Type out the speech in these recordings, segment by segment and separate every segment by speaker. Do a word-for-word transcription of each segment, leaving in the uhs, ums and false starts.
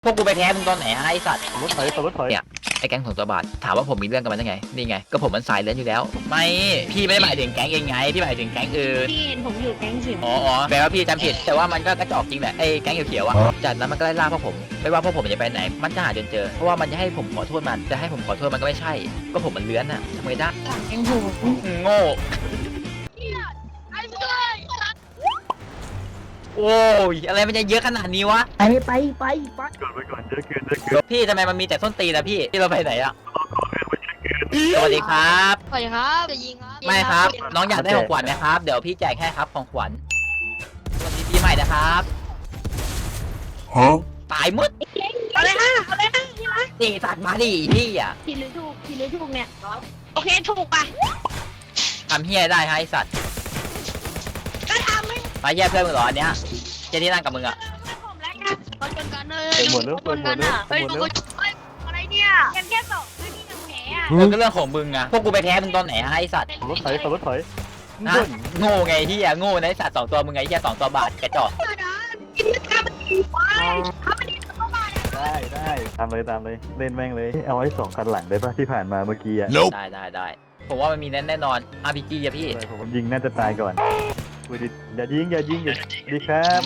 Speaker 1: พวกกูไปแพ้มึงตอนไหนไอ้สัตว์
Speaker 2: รถถอยรถถอย
Speaker 1: เนี่ยไอ้แก๊งของตัวบาทถามว่าผมมีเรื่องกับมันได้ไงนี่ไงก็ผมมันสายเล่นอยู่แล้วไม่พี่ไม่ได้หมายถึงแก๊งเองไงพี่หมายถึงแก๊งอื่น
Speaker 3: พี่เห็นผมอยู่แก๊งสิบ
Speaker 1: อ๋ออ๋อแปลว่าพี่จำผิดแต่ว่ามันก็กระจอกจริงแหละไอ้แก๊งเขียวๆอะจากนั้นมันก็ไล่ล่าพวกผมไม่ว่าพวกผมจะไปไหนมันจะหาจนเจอเพราะว่ามันจะให้ผมขอโทษมันจะให้ผมขอโทษมันก็ไม่ใช่ก็ผมมันเลื้อนอะทำไงได้
Speaker 3: แก๊งผม
Speaker 1: โง่โอ้ยอะไรมันจะเยอะขนาดนี้วะ
Speaker 3: ไปไปไปไป
Speaker 2: ก่อนไปก่อนเยอะเกินเยอะเกิน
Speaker 1: พี่ทำไมมันมีแต่ส้นตีนอะพี่พี่เราไปไหนอะสวัสดีครับ
Speaker 3: สวัสดีครับจะยิงครับ
Speaker 1: ไม่ครับ น้องอยากได้ของขวัญไหมครับเดี๋ยวพี่แจกให้ครับของขวัญสวัสดีปีใหม่นะครับตายหมด
Speaker 3: เอาเลยฮะเอาเลยฮะพี่รัก
Speaker 1: นี่สัตว์มาดิพี่อะ
Speaker 3: ผิดหรือถูกผิดหรือถูกเนี่ยโอเคถูกป่ะ
Speaker 1: ทำเฮียได้ฮะไอสัตว์
Speaker 3: ก็ทำให้
Speaker 1: มาแย่เพื่อนมึงเหรออันเนี้ยเจที่นั่งกับมึงอะ
Speaker 3: ผมแล้วกันคนจนกันเลยคนกันอ่ะเฮ้ยดูกูเฮ้ยอะไรเนี่ยแค่แค่สองไม่มีหนังแผลอ่ะ
Speaker 1: เออก็เรื่องของมึงอะพวกกูไปแพ้มึงตอนไหนฮะไอสัตว์
Speaker 2: รถถอยรถถอย
Speaker 1: นะโง่ไงที่อะโง่ในะไอ้สัตว์สองตัวมึงไงที่สองตัวบาทกระจอก
Speaker 3: กินข้าวมันดีไปข้าวมันดีเข้ามาเนี่ย
Speaker 2: ได้ได้ตามเลยตามเลยเล่นแม่งเลยเอาไว้สองคันหลังได้ปะที่ผ่านมาเมื่อกี้อะ
Speaker 1: ได้ได้ได้ผมว่ามันมีแน่แน่นอน อาร์ พี จี อะพี่
Speaker 2: ผมยิงน่าจะตายก่อนอุ้ยดิอย่ายิงอย่ายิงอย่าดีครับ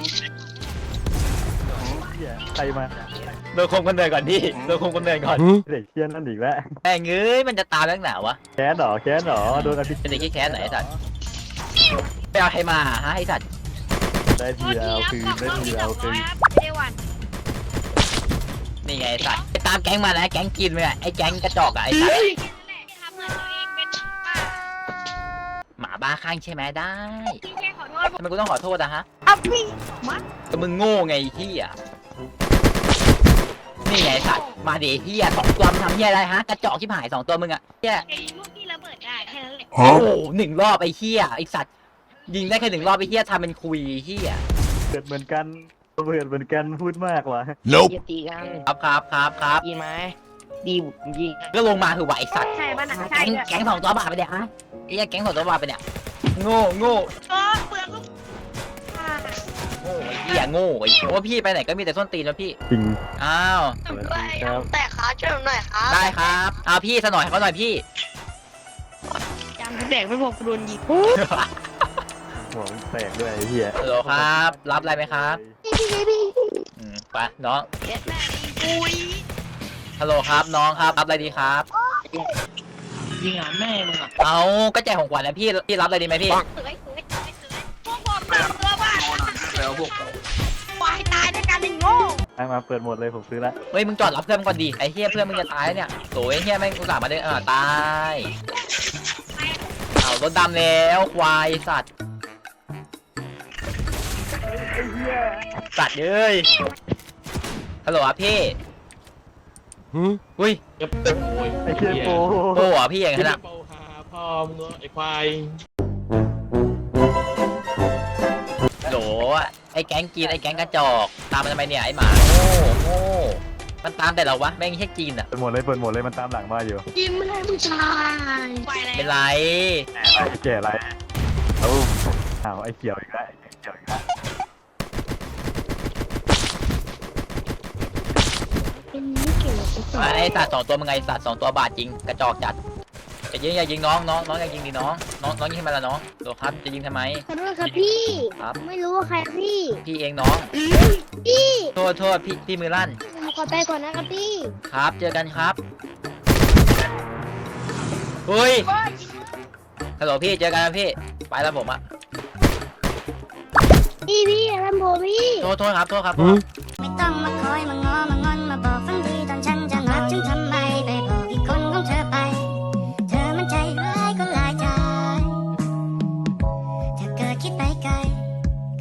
Speaker 2: ใครมา
Speaker 1: โดนคมกันเดินก่อนพี่โดนคมกันเดินก่อน
Speaker 2: เด็กเชี่ยนั่นอีกแล้ว
Speaker 1: แม่งเอ้ยมันจะตามเรื่องหนาวะ
Speaker 2: แค้นหรอแค้นหรอโดนอภิ
Speaker 1: เป็นเด็กขี้แค้นไหนไอ้สัตว์ไปเอาใครมาฮะไอสัตว์
Speaker 2: ได้ทีเอาคืนได้ทีเอาคืน
Speaker 3: เดวัน
Speaker 1: นี่ไงไอ้สัตว์ไปตามแก๊งมานะแก๊งกินเลยไอ้แก๊งกระจอกอะไอสัตว์
Speaker 3: ทำเงินตัวเองเป็นป้า
Speaker 1: หมาบ้าข้างใช่ไหมได้
Speaker 3: พี่แค่ขอโทษ
Speaker 1: ทำไมกูต้องขอโทษอะฮะ
Speaker 3: เอาพี่มัด
Speaker 1: ก็มึงโง่ไงที่อะนี่ไงไอ้สัตว์มาดิเฮียสองตัวมึงทำเฮียอะไรฮะกระจอกที่หายสองตัวมึงอะเฮีย
Speaker 3: ไอ้ลูกที่ระเบิดได้แค่นั้นแหละ
Speaker 1: โอ้โหหนึ่งรอบไอ้เฮียไอ้สัตว์ยิงได้แค่หนึ่งรอบไอ้เฮียทำเป็นคุยเฮีย
Speaker 2: เกิดเหมือนกันเกิดเหมือนกันพูดมากว่ะ
Speaker 4: อย่าตีกัน
Speaker 1: ครับครับครับครับ
Speaker 4: ยิงไหมดียิง
Speaker 1: ก็ลงมาคือไหวสัตว์
Speaker 3: ใช่ป่ะนะใช่
Speaker 1: แก๊ง
Speaker 3: ด้วย
Speaker 1: แก๊งสองตัวบาทไปเนี่ยฮะไอ้เหี้ยแก๊งสองตัวบาทไปเนี่ยโง่โง่
Speaker 3: ก็เปลือกลูกอ่า
Speaker 1: โง่ไอ้เหี้ยโง่ไอ้โอ้พี่ไปไหนก็มีแต่ส้นตีนแล้วพี่
Speaker 2: จริง
Speaker 1: อ้าว
Speaker 3: ด้วยแต่ขาช่วยผมหน่อยครับ
Speaker 1: ได้ครับเอาพี่สนอยให้เขาหน่อยพี่
Speaker 3: จำแดกไม่พอกูโดนยิง
Speaker 2: หัวแตกด้วยไอ้เหี้ย
Speaker 1: ฮัลโหลครับ รับอะไรไหมครับอืมไปน้อง
Speaker 3: เอ็ดแม่อุ้ย
Speaker 1: ฮัลโหลครับน้องครับรับอะไรดีครับ
Speaker 4: ยิงอ่ะแม่มึงอ่ะ
Speaker 1: เอาก็แจกของขวัญนะพี่พี่รับอะไรดีไหมพี่
Speaker 3: สวยสวยสวยพวกผมเปิดตัวบ้านแล้วพวกวายตายด้วยกันไอ้โง่
Speaker 2: ให้มาเปิดหมดเลยผมซื้อละ
Speaker 1: เฮ้ยมึงจอดรับเพื่อนมึงก่อนดิไอ้เหี้ยเพื่อนมึงจะตายแล้วเนี่ยโถ่ไอ้เหี้ยแม่งอุตส่าห์มาเดินเออตายเอารถดำแล้วควายสัตว์สัตว์เอ้ยฮัลโหลครับพี่อุ้ย
Speaker 4: จะเป็นโวย
Speaker 2: ไอ้เชี่ยโป
Speaker 1: โอ้โหพี่อย่าง
Speaker 4: จะ
Speaker 1: นั้นอะ
Speaker 4: เป่าหาพ่อมึงไอ้ควาย
Speaker 1: โหลไอ้แก๊งกินไอ้แก๊งกระจอกตามมันทำไมเนี่ยไอ้หมาโง่โง่มันตามแต่เราวะแม่งแค่จีนอะ
Speaker 2: เปิดหมดเลยเปิดหมดเลยมันตามหลังมาอยู่
Speaker 3: กินไม่ได้ผู้ชายไปแล้ว
Speaker 1: เป็นไร
Speaker 2: ไอ้แก่อะไรเอาเอาไอ้เขียวอีกแล้วไอ้เขียวอีกแล้ว
Speaker 3: เป็นไม่เกี่ยวกับ
Speaker 1: ไอ้สัตว์สองตัวมึงไงสัตว์สองตัวบาทจริงกระจอกจัดจะยิงอย่ายิงน้องน้องน้องอย่ายิงดิน้องน้องน้องยิงทำไมล่ะน้องโหลครับจะยิงทำไม
Speaker 3: ขอโทษครับพี่
Speaker 1: ครับ
Speaker 3: ไม่รู้ว่าใครพี่
Speaker 1: พี่เองน้อง
Speaker 3: พี่
Speaker 1: โทษโทษพี่พี่มือลั่น
Speaker 3: ผมขอไปก่อนนะครับพี่
Speaker 1: ครับเจอกันครับเฮ้ยฮัลโหลพี่เจอกันนะพี่ไปแล้วผมอะ
Speaker 3: พี่พี่อะไรผมพี่
Speaker 1: โทษโทษครับโทษครับ
Speaker 5: ไม่ต้องมาคอยมาง้อมา